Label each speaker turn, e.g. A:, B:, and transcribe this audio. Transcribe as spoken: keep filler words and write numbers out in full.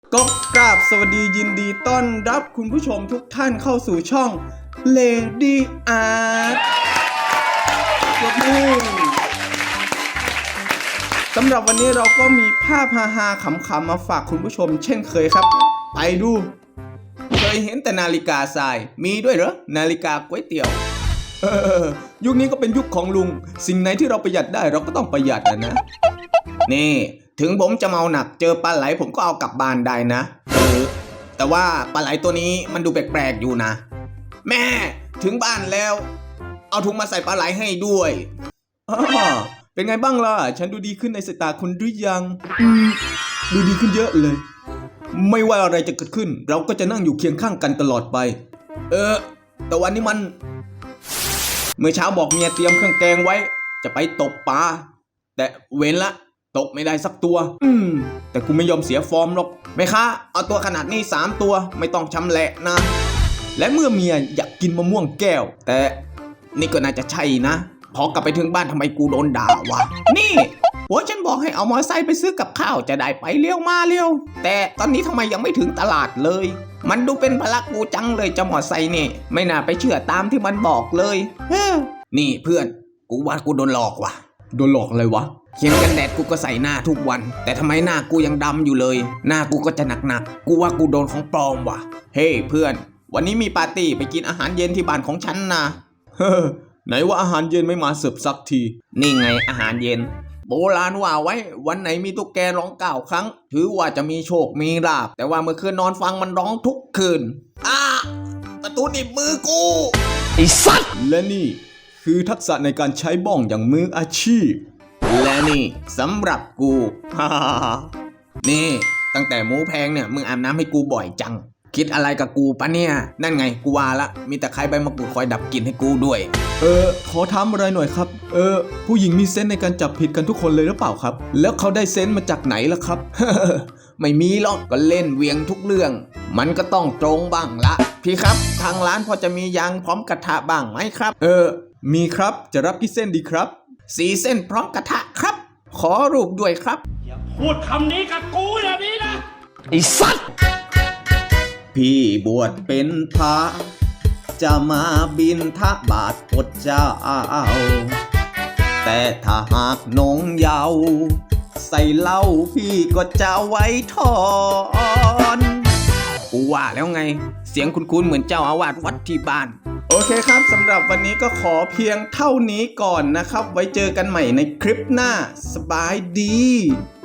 A: ก็กราบสวัสดียินดีต้อนรับคุณผู้ชมทุกท่านเข้าสู่ช่อง Lady Art ปรบมือสำหรับวันนี้เราก็มีภาพฮาๆขำๆมาฝากคุณผู้ชมเช่นเคยครับไปดูเคยเห็นแต่นาฬิกาทรายมีด้วยเหรอนาฬิกาก๋วยเตี๋ยวเออยุคนี้ก็เป็นยุคของลุงสิ่งไหนที่เราประหยัดได้เราก็ต้องประหยัดนะนะนี่ถึงผมจะเมาหนักเจอปลาไหลผมก็เอากลับบ้านได้นะเออแต่ว่าปลาไหลตัวนี้มันดูแปลกๆอยู่นะแม่ถึงบ้านแล้วเอาถุงมาใส่ปลาไหลให้ด้วยอ้อเป็นไงบ้างล่ะฉันดูดีขึ้นในสายตาคุณหรือยังอืมดูดีขึ้นเยอะเลยไม่ว่าอะไรจะเกิดขึ้นเราก็จะนั่งอยู่เคียงข้างกันตลอดไปเออแต่วันนี้มันเมื่อเช้าบอกเมียเตรียมเครื่องแกงไว้จะไปตกปลาแต่เว้นละตกไม่ได้สักตัวอืมแต่กูไม่ยอมเสียฟอร์มหรอกแม่ค้าเอาตัวขนาดนี้สามตัวไม่ต้องชำแหละนะและเมื่อเมียอยากกินมะม่วงแก้วแต่นี่ก็น่าจะใช่นะพอกลับไปถึงบ้านทำไมกูโดนด่าวะนี่หัวฉันบอกให้เอามอเตอร์ไซค์ไปซื้อกับข้าวจะได้ไปเลี้ยวมาเลี้ยวแต่ตอนนี้ทำไมยังไม่ถึงตลาดเลยมันดูเป็นพลักกูจังเลยจะมอเตอร์ไซค์นี่ไม่น่าไปเชื่อตามที่มันบอกเลยเฮ้นี่เพื่อนกูว่ากูโดนหลอกว่ะโดนหลอกอะไรวะเขียนกันแดดกูก็ใส่หน้าทุกวันแต่ทำไมหน้ากูยังดำอยู่เลยหน้ากูก็จะหนักๆกูว่ากูโดนของปลอมว่ะเฮ้ hey, เพื่อนวันนี้มีปาร์ตี้ไปกินอาหารเย็นที่บ้านของฉันนะเฮ้อไหนว่าอาหารเย็นไม่มาเสิร์ฟสักทีนี่ไงอาหารเย็นโบราณว่าไว้วันไหนมีตุ๊กแกร้องเก้าครั้งถือว่าจะมีโชคมีลาภแต่ว่าเมื่อคืนนอนฟังมันร้องทุกคืนอ้าประตูหนีบมือกูไอ้สัตว์และนี่คือทักษะในการใช้บ้องอย่างมืออาชีพและนี่สำหรับกู ฮ่านี่ตั้งแต่หมูแพงเนี่ยมึงอาบน้ำให้กูบ่อยจังคิดอะไรกับกูปะเนี่ยนั่นไงกูว่าละมีแต่ใครใบมะกรูดคอยดับกลิ่นให้กูด้วยเออขอถามอะไรหน่อยครับเออผู้หญิงมีเซนส์ในการจับผิดกันทุกคนเลยหรือเปล่าครับแล้วเขาได้เซนส์มาจากไหนล่ะครับ ไม่มีหรอกก็เล่นเวียงทุกเรื่องมันก็ต้องตรงบ้างละพี่ครับทางร้านพอจะมียางพร้อมกระทะบ้างไหมครับเออมีครับจะรับกี่เส้นดีครับสี่เส้นพร้อมกระทะครับขอรูปด้วยครับ
B: อย่าพูดคำนี้กับกูอย่างนี้นะ
A: ไอ้สัตว์พี่บวชเป็นพระจะมาบิณฑบาตอดเจ้าแต่ถ้าหากน้องเยาว์ใส่เหล้าพี่ก็จะไว้ทอนกูว่าแล้วไงเสียงคุ้นๆเหมือนเจ้าอาวาสวัดที่บ้านโอเคครับสำหรับวันนี้ก็ขอเพียงเท่านี้ก่อนนะครับไว้เจอกันใหม่ในคลิปหน้าสบายดี